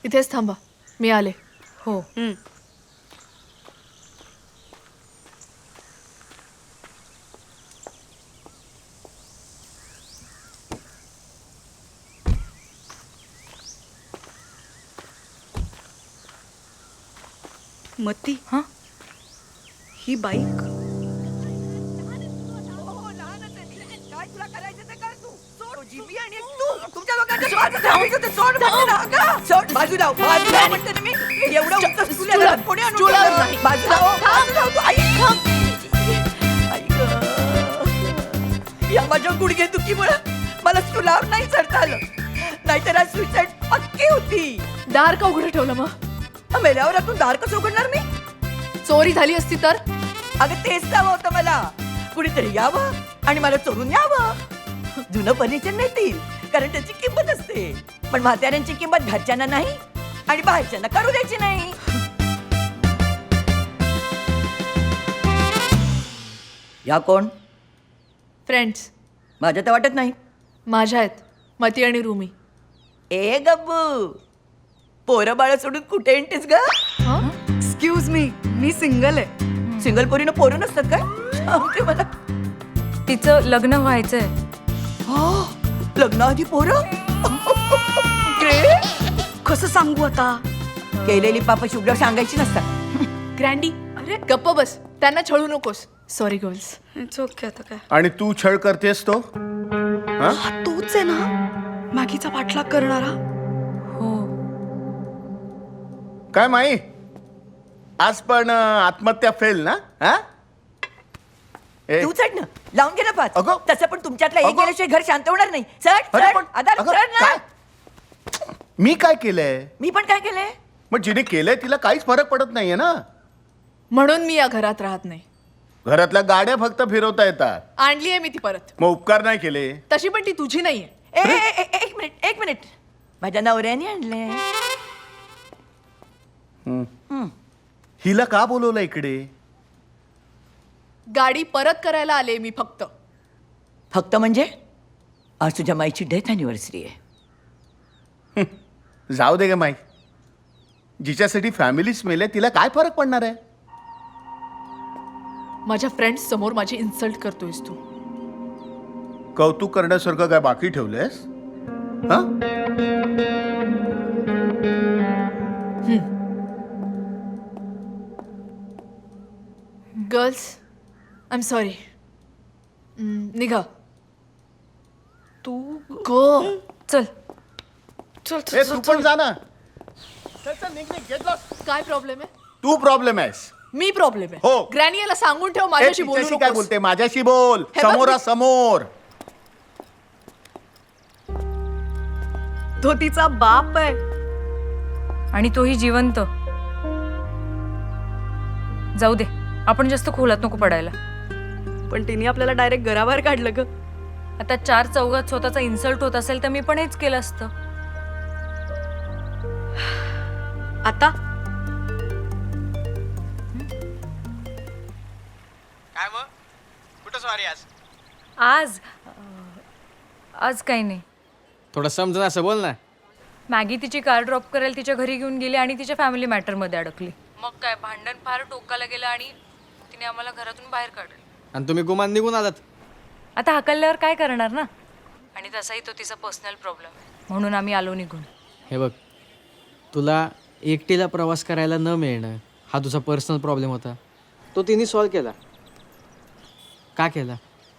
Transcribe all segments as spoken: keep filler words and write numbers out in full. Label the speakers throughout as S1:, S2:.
S1: इथेच थांबा, मी आले.
S2: हो.
S3: मती,
S2: हां
S3: ही बाईक
S4: या माझ्या गुडघे दुखीमुळे मला स्टूलावर नाही चढता आलं, नाहीतर आज सुसाईड पक्की होती.
S1: दार का उघडं ठेवलं मग?
S4: मेल्यावर आतून दार कसं उघडणार मी?
S1: चोरी झाली असती तर?
S4: अगं तेच हवं होतं मला, कुणीतरी यावं आणि मला चोरून यावं. जुनं फर्निचर नेतील कारण त्याची किंमत असते, पण म्हाताऱ्यांची किंमत घरच्यांना नाही आणि बाहेरच्यांना करू द्यायची नाही. या कोण?
S1: फ्रेंड्स
S4: माझ्या तर वाटत नाही.
S1: माझ्या आहेत, मती आणि रुमी.
S4: ए गब्बू, पोरं बाळ सोडून कुठे येतेस ग?
S1: हं?
S3: एक्सक्यूज मी मी सिंगल आहे.
S4: सिंगल पोरीनं पोरं नसतात काय? सांगते मला.
S2: तिचं लग्न व्हायचंय.
S4: हा, लग्नाआधी पोरं?
S3: कसं सांगू आता?
S4: केलेली पाप शुभ्र सांगायची नसतात.
S1: ग्रँडी, अरे गप्प बस, त्यांना छळू नकोस. Sorry girls.
S3: It's okay. आता काय,
S5: आणि तू छळ करतेस तो हा?
S3: हा तोच आहे ना मॅगीचा पाठलाग करणारा.
S2: हो.
S5: काय माई, आज पण अं, आत्महत्या फेल ना? हा? ए,
S4: तू चढ ना, लावून घे ना पाच.
S5: अगं.
S4: तसं पण तुमच्यातला एक
S5: अगं.
S4: गेल्याशिवाय घर शांत होणार नाही. चढ
S5: अरे
S4: चढ,
S5: पण-
S4: आधार
S5: अगं,
S4: चढ ना.
S5: काय? मी काय केलंय?
S4: मी पण काय केलंय?
S5: मग जिने केलंय तिला काहीच फरक पडत नाहीये ना.
S1: म्हणून मी या घरात राहत नाही.
S5: घरातल्या गाड्या फक्त फिरवता येतात,
S1: आणली आहे मी ती परत.
S5: मग उपकार नाही केले.
S1: तशी पण ती तुझी नाहीये.
S4: ए, ए, ए, ए, एक मिनिट एक मिनिट माझ्या नवऱ्याने आणले.
S5: हिला का बोलवलं इकडे?
S1: गाडी परत करायला आले मी फक्त.
S4: फक्त म्हणजे आज तुझ्या माईची डेथ अॅनिव्हर्सरी आहे.
S5: जाऊ दे ग माई, जिच्यासाठी फॅमिलीच मेले तिला काय फरक पडणार आहे?
S1: माझ्या फ्रेंड्स समोर माझी इन्सल्ट करतोयस तू.
S5: कौतुक करण्यासारखं काय बाकी ठेवलंयस? हा?
S1: Girls, I am sorry. निघा.
S3: तू
S1: गो.
S2: चल.
S3: चल
S5: ए, तू पण जा ना. चल, चल, निघ, निघ, get lost.
S1: काय प्रॉब्लेम आहे?
S5: तू प्रॉब्लेम आहेस.
S1: मी प्रॉब्लेम आहे.
S5: हो.
S1: ग्रॅनी याला सांगून ठेव
S5: ए,
S1: माझ्याशी बोलू
S5: तिच्याशी काय
S1: नकोस.
S5: बोलते? माझ्याशी बोल,
S1: हे बघ,
S5: समोरासमोर.
S3: तो तिचा बाप आहे.
S2: आणि तोही जिवंत. जाऊ दे, आपण जास्त खोलात नको पडायला.
S3: पण तिने आपल्याला डायरेक्ट घराबाहेर काढलं ग.
S2: आता चार चौघात स्वतःचा इन्सल्ट होत असेल तर मी पण हेच केलं असतं.
S3: आता
S6: काय मग कुठं सॉरी आज?
S2: आज अं, आज काही नाही.
S6: थोडं समजून असं बोल ना.
S2: मॅगी तिची कार ड्रॉप करायला तिच्या घरी घेऊन गेली आणि तिच्या फॅमिली मॅटरमध्ये अडकली. मग काय, भांडण फार टोकाला गेलं आणि तिने आम्हाला घरातून बाहेर काढलं.
S6: आणि तुम्ही गुमान निघून आलात.
S2: आता हाकलल्यावर काय करणार ना. आणि तसाही तो तिचा पर्सनल प्रॉब्लेम आहे, म्हणून आम्ही आलो निघून.
S6: हे बघ, तुला एकटीला प्रवास करायला न मिळणं हा तुझा पर्सनल प्रॉब्लेम होता, तो तिने सॉल्व केला. का केला?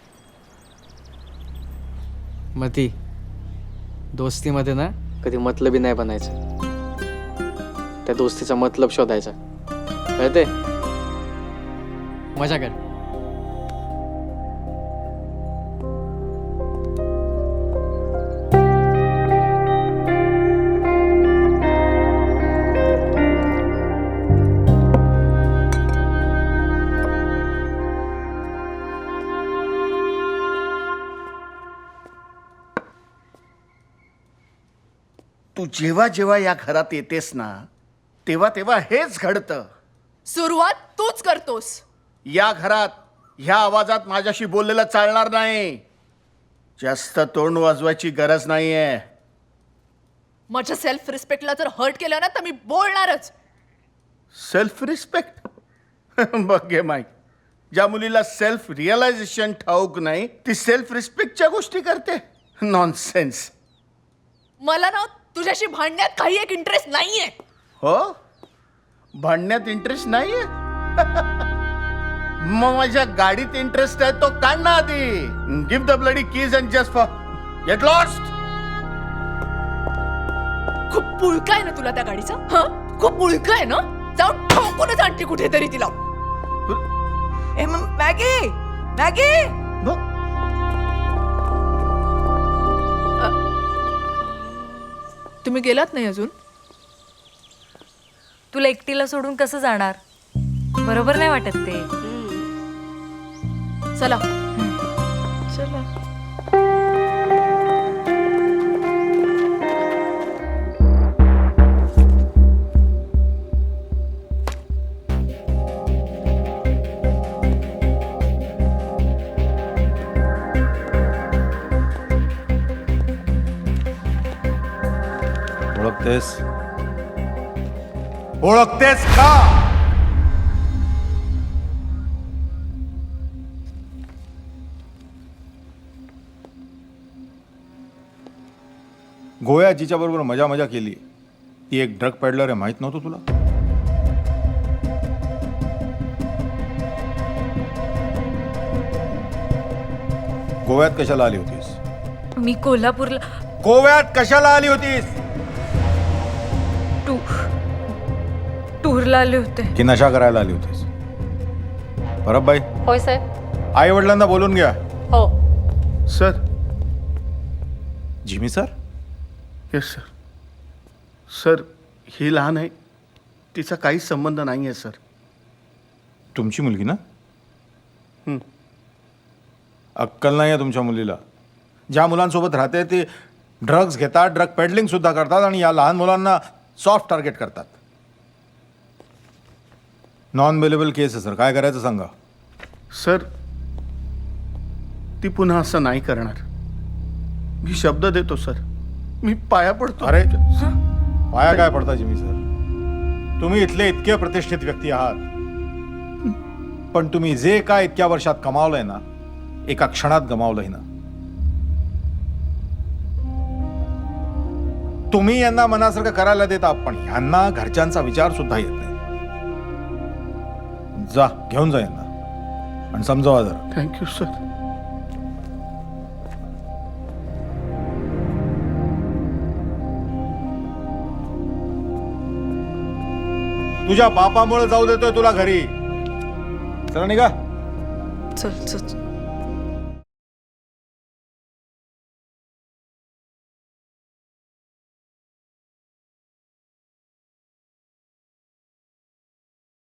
S6: मग ती दोस्तीमध्ये ना कधी मतलबी नाही बनायचं, त्या दोस्तीचा मतलब शोधायचा. कळते? मजा कर.
S5: तू जेव्हा जेव्हा या घरात येतेस ना, तेव्हा तेव्हा हेच घडतं.
S1: सुरुवात तूच करतोस.
S5: या घरात ह्या आवाजात माझ्याशी बोललेलं चालणार नाही. जास्त तोंड वाजवायची गरज नाहीये.
S1: माझ्या सेल्फ रिस्पेक्टला जर हर्ट केलं ना तर मी बोलणारच.
S5: सेल्फ रिस्पेक्ट बघ घे माईक, ज्या मुलीला सेल्फ रिअलायझेशन ठाऊक नाही ती सेल्फ रिस्पेक्टच्या गोष्टी करते. नॉनसेन्स.
S1: मला ना तुझ्याशी भांडण्यात काही एक इंटरेस्ट नाहीये.
S5: हो, भांडण्यात इंटरेस्ट नाहीये. मग माझ्या गाडीत इंटरेस्ट आहे तो काढ ना आधी. Give the bloody keys and just forget lost.
S1: खूप पुळका आहे ना तुला त्या गाडीचा. हं? खूप पुळका आहे ना. जाऊन ठोकूनच आणते कुठेतरी तिला.
S4: ए म- मॅगी मॅगी
S1: तुम्ही गेलात नाही अजून.
S2: तुला एकटीला सोडून कसं जाणार? बरोबर नाही वाटत ते.
S1: चला.
S3: चला.
S7: ओळखतेस ओळखतेस का? गोव्या जिच्या बरोबर मजा मजा केली ती एक ड्रग पॅडलर आहे, माहित नव्हतं तुला? गोव्यात कशाला आली होतीस?
S2: मी कोल्हापूरला
S7: गोव्यात कशाला आली होतीस?
S2: टू टूरला आले होते.
S7: की नशा करायला आली होतीस? परबबाई,
S2: होय साहेब.
S7: आई वडिलांना बोलून घ्या.
S2: हो.
S5: Sir.
S7: Jimmy sir?
S5: Yes sir. Sir ही लहान आहे, तिचा काहीच संबंध नाही आहे सर.
S7: तुमची मुलगी ना?
S5: हं.
S7: अक्कल नाही आहे तुमच्या मुलीला. ज्या मुलांसोबत राहते ते ड्रग्ज घेतात, ड्रग पेडलिंग सुद्धा करतात आणि या लहान मुलांना सॉफ्ट टार्गेट करतात. नॉन बेलेबल केस आहे सर, काय करायचं सांगा.
S5: सर ती पुन्हा असं नाही करणार. मी शब्द देतो सर. मी पाया पडतो.
S7: अरे पाया काय पडता जिमी सर? तुम्ही इथले इतके प्रतिष्ठित व्यक्ती आहात, पण तुम्ही जे काय इतक्या वर्षात कमावलंय ना, एका क्षणात गमावलंय ना. तुम्ही यांना मनासारखं करायला देता, पण यांना घरच्यांचा विचार सुद्धा येत नाही. जा घेऊन जा यांना आणि समजावा जरा.
S5: Thank you sir.
S7: तुझ्या बापामुळे जाऊ देतोय तुला घरी. चला निघा.
S3: चल चल